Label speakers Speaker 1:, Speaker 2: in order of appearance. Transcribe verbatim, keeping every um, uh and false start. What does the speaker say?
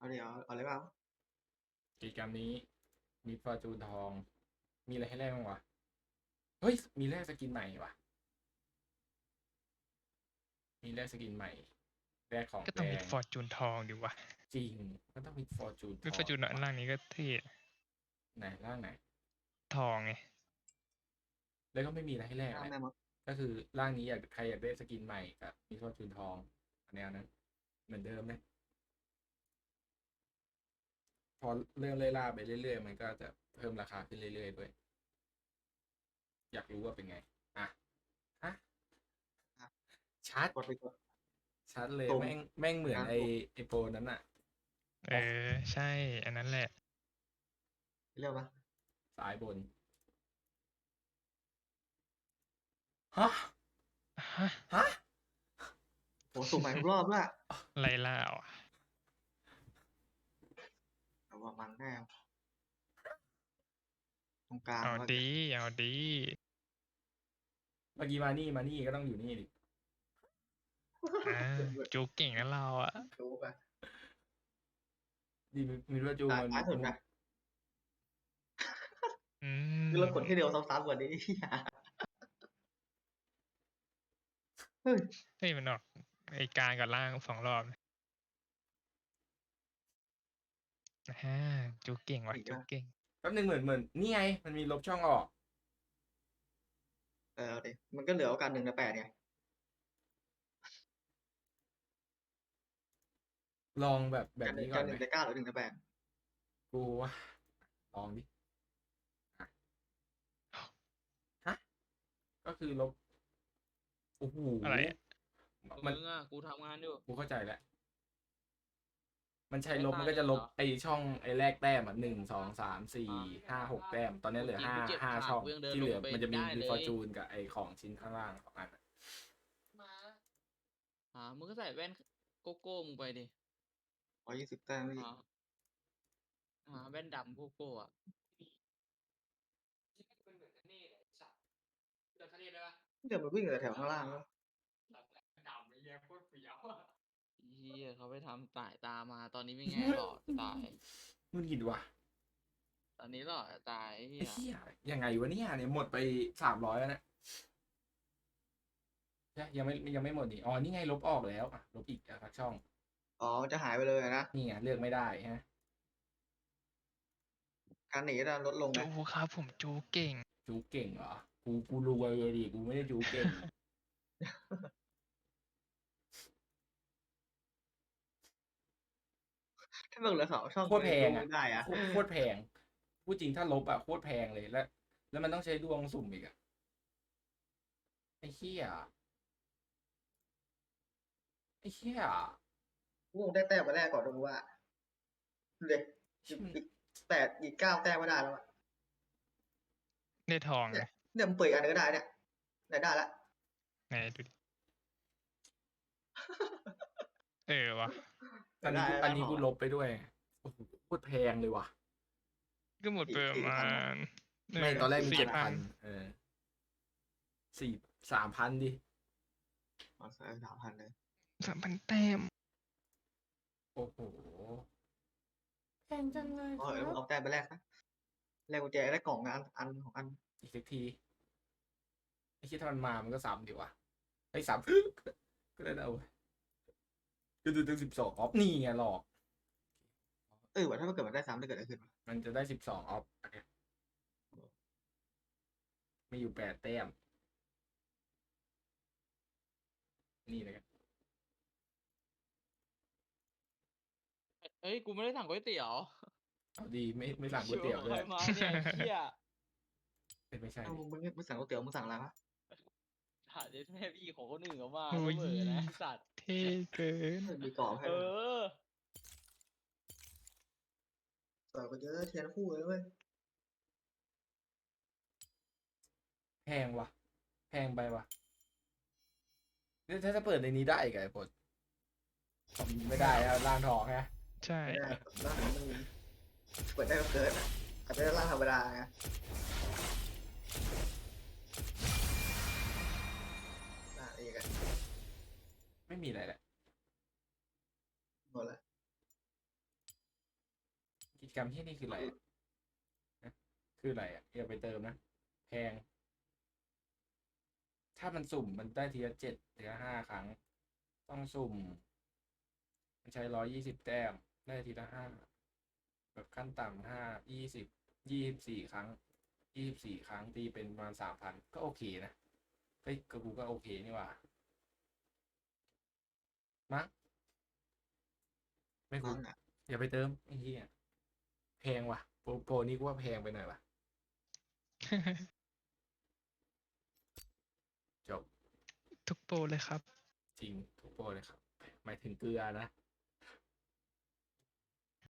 Speaker 1: เอาเดี๋ยวเอาเลยเปล่า
Speaker 2: กิจกรรมนี้มีฟอร์จูนทอง มีอะไรให้แลกบ้างวะ เฮ้ย มีแลกสกินใหม่วะมีแลกสกินใหม่แลกของ
Speaker 3: ก็
Speaker 2: แป
Speaker 3: ต้องมี
Speaker 2: ลง
Speaker 3: ฟอร์จูนทองดิวะ
Speaker 2: จริงก็ต้องมีฟอร์จูนท
Speaker 3: มีฟอ
Speaker 2: อง
Speaker 3: ร์จูนอันล่างนี้ก็เท่
Speaker 2: ไหนล่างไหน
Speaker 3: ทองไง
Speaker 2: แล้วก็ไม่มีอะไรให้แลก
Speaker 1: ตาม
Speaker 2: เลย
Speaker 1: แม่มด
Speaker 2: ก็คือร่างนี้อยากใครอยากได้สกินใหม่กับมีฟอร์จูนทองแนวนั้น เหมือนเดิมเลยพอเรื่องเล่ล่าไปเรื่อยๆ มันก็จะเพิ่มราคาขึ้นเรื่อยๆด้วย อยากรู้ว่าเป็นไง อ่ะ ฮะ ชัด
Speaker 1: กดไปกด
Speaker 2: ชัดเลย
Speaker 1: ตรง
Speaker 2: แม่งแม่งเหมือน
Speaker 1: อ่ะ
Speaker 2: ไอไอโปรนั้นอะ
Speaker 3: เออ ใช่ อันนั้นแหละ
Speaker 1: เรียกว่า
Speaker 2: สายบน ฮะ
Speaker 3: ฮะ
Speaker 2: ฮะ
Speaker 1: โหสุ่มใหม่ทุกรอบด้วย
Speaker 3: ไล่ล่าอ่ะ
Speaker 1: แต่ว่ามันแน่ตรงกลาง
Speaker 3: เอา
Speaker 1: ก็
Speaker 3: ดี เอาดี
Speaker 2: เมื่อกี้มานี่มานี่ก็ต้องอยู่นี่ดิ
Speaker 3: อ่า จูเก่งนะเราอ่ะ
Speaker 1: ดูไป
Speaker 2: ดีมีมีว่าจู
Speaker 1: ตาย
Speaker 2: มัน
Speaker 1: ท้ายสุดนะ
Speaker 3: อืม
Speaker 1: คือเรากดที่เดียวซ้ำๆกว่านี้ เฮ้ย
Speaker 3: เฮ้ยมันออกไอกลางกับล่างสองรอบฮ่าจูเก่งว่ะ
Speaker 1: อีก
Speaker 3: จู
Speaker 1: แล้ว
Speaker 3: เก่ง
Speaker 2: แป๊บนึงเหมือนเหมือนนี่ไง มันมีลบช่องออก
Speaker 1: เออเอาดิมันก็เหลือโอกาสหนึ่งในแปดไง
Speaker 2: ลองแบบแบบ
Speaker 1: การหนึ่
Speaker 2: นี้
Speaker 1: ง
Speaker 2: ก่
Speaker 1: กา
Speaker 2: อ
Speaker 1: ร
Speaker 2: น
Speaker 1: ห
Speaker 2: ไหม
Speaker 1: นึ่งในเก้าหรือหนึ่งในแปด
Speaker 2: กูว่าลองดิอ่ะฮะ ก็คือลบ โอ้โห
Speaker 3: อะไรอะ
Speaker 2: มัน
Speaker 4: มึงอ่ะกูทำงานอยู่
Speaker 2: กูเข้าใจแล้ว มันใช้
Speaker 4: ไม่
Speaker 2: ลบ
Speaker 4: ตาย
Speaker 2: มันก็จะ
Speaker 4: เลย
Speaker 2: ล
Speaker 4: เห
Speaker 2: บ
Speaker 4: รอ
Speaker 2: ไอช่องไอแรกแต้มอ่ะหนึ่งสองสามสี่
Speaker 4: อ่า
Speaker 2: ห้าหกแต้ม ตอนนี้เหลือ
Speaker 4: เมื่อกี้
Speaker 2: ห้า
Speaker 4: กูเจ็บ
Speaker 2: ห้า
Speaker 4: ขา
Speaker 2: ช่อง
Speaker 4: กูยังเดิน
Speaker 2: ที่เหลือ
Speaker 4: ลงไป
Speaker 2: มันจะมี
Speaker 4: ได้
Speaker 2: มี
Speaker 4: เลย
Speaker 2: ฟอร์จูนกับไอของชิ้นข้างล่างสองอันอะ
Speaker 4: อ่ามึงก็ใส่แว่นโกโก้มึงไปดิ
Speaker 1: ร้อยยี่สิบแต้มไม่
Speaker 4: อ่าอ่าแว่นดำโกโก้อ่ะ
Speaker 1: เดี๋ยวมันวิ่งแต่แถวข้างล่างแล้ว
Speaker 4: เฮียเขาไปทำสายตามาตอนนี้ไม่ไงหล่อจะตาย
Speaker 2: มึงกินว่ะ
Speaker 4: ตอนนี้หล่อจะตายเฮี
Speaker 2: ไอ้
Speaker 4: ย
Speaker 2: เหี้ยยังไงวะเนี่ยเนี่ยหมดไปสามร้อยแล้วนะใช่ยังไม่ยังไม่หมดนี่อ๋อนี่ไงลบออกแล้วอ่ะลบอีกอ่ะสักช่อง
Speaker 1: อ๋อมันจะหายไปเลยนะ
Speaker 2: นี่ไงเลือกไม่ได้ฮะ
Speaker 1: การหนีจะลดลงไง
Speaker 3: จูครับผมจูเก่ง
Speaker 2: จูเก่งเหรอ กูกูรวยเลยดิกูไม่ได้จูเก่ง
Speaker 1: ถ้าเบิกเหลือสองช่อง
Speaker 2: โคตรแพง
Speaker 1: ดู
Speaker 2: อ่ะ
Speaker 1: ไม่ได้อะ
Speaker 2: โคตรโคตรแพงพูดจริงถ้าลบอ่ะโคตรแพงเลยแล้ว แล้วมันต้องใช้ดวงสุ่มอีกอ่ะไอ้เหี้ยไอ้เหี้ย
Speaker 1: กูคงได้แต้มมาแรกก่อนดูว่าเด็กอีกแต่อีกเก้าแต้มไม่ได้แล้วอะ
Speaker 3: ได้ทองไง
Speaker 1: เนี่ยมันเปิดอีกอันนึงก็ได้เนี่ยได้ได้ละ
Speaker 3: ไหนดูดิ เออวะ
Speaker 2: อันนี้กู
Speaker 1: ได้
Speaker 2: อันนี้
Speaker 1: ได้
Speaker 2: กู
Speaker 1: พอ
Speaker 2: ลบไปด้วยโอ้โหโคตรแพงเลยว่ะ
Speaker 3: ก็หมดไปประมาณ
Speaker 2: ไม่ตอนแรกมี
Speaker 3: สี่
Speaker 2: เจ็ด
Speaker 3: พั
Speaker 2: พั
Speaker 3: น
Speaker 2: นเออสี่สามพันดิ
Speaker 1: อ๋อสามพันเลย
Speaker 3: สามพันแต้ม
Speaker 2: โอ้โหแพงจังเลย
Speaker 1: อ๋อ
Speaker 2: ค
Speaker 1: เอ
Speaker 2: รั
Speaker 1: อบ เอาแต้มไปแรกนะแรกกุญแจได้กล่องอันอันของอัน
Speaker 2: อีกสักทีไอ้คิดถ้ามันมามันก็ซ้ำดีวะไอ้ซ้ำ ก็ได้เอาก็ดูตั้งสิบสองออฟนี่ไงหลอก
Speaker 1: เออว่าถ้ามันเกิดมันได้ซ้ำจะเกิดอะไรขึ้นวะ
Speaker 2: มันจะได้สิบสองออฟอันเนี้ยมีอยู่แปดแต้ม นี่เลยกัน
Speaker 4: เฮ้ยกูไม่ได้สั่งก๋วยเตี๋ยว
Speaker 2: เอาดีไม่ไม่สั่งก๋วยเตี๋ยวด้วย
Speaker 4: ใครมาเนี่ยไอ้เฮีย
Speaker 2: เป็นไม่ใช่
Speaker 1: เอ้า
Speaker 2: ดิ
Speaker 1: มึงมึงมึงสั่งก๋วยเตี๋ยวมึงสั่งอะไรวะ
Speaker 4: ถ่ายแม่พี่ของคนอื่นเขามา
Speaker 3: โอ้
Speaker 4: เขา
Speaker 3: ย
Speaker 4: เบื่อนะไอ้สัตว์
Speaker 3: เท่เกิน
Speaker 1: เออมีกรอบให้
Speaker 4: เอ
Speaker 1: ด้วย
Speaker 4: อ
Speaker 1: ต่อไปเยอะเทียนคู่เลยเว้ย
Speaker 2: แพงวะแพงไปวะนี่ถ้าจะเปิดในนี้ได้อีกไอ้พดไม่ได้อะล่างทองฮะ
Speaker 3: ใช่
Speaker 1: ไม่ได้ร่างมันเปิดได้ก็เกินอะอาจจะได้ร่างธรรมดาไงอ่ะอีกอะ
Speaker 2: ไม่มีอะไรแหละ
Speaker 1: หมดละ
Speaker 2: กิจกรรมที่นี่คืออะไรอะนะคืออะไรอ่ะอย่าไปเติมนะแพง ถ้ามันสุ่มมันได้ทีละเจ็ดทีละห้าครั้ง ต้องสุ่ม มันใช้ร้อยยี่สิบแต้ม ได้ทีละห้าแบบขั้นต่ำห้ายี่สิบยี่สิบสี่ครั้งยี่สิบสี่ครั้งตีเป็นประมาณสามพันก็โอเคนะเฮ้ยก็กูก็โอเคนี่หว่ามั้งไม่
Speaker 1: ฟั
Speaker 2: คุ้ม
Speaker 1: งอ่ะ
Speaker 2: อย่าไปเติมไอ้เหี้ยแพงว่ะโปรโปรนี่กูว่าแพงไปหน่อยว่ะจบ
Speaker 3: ทุกโปรเลยครับ
Speaker 2: จริงทุกโปรเลยครับหมายถึงเกลือนะ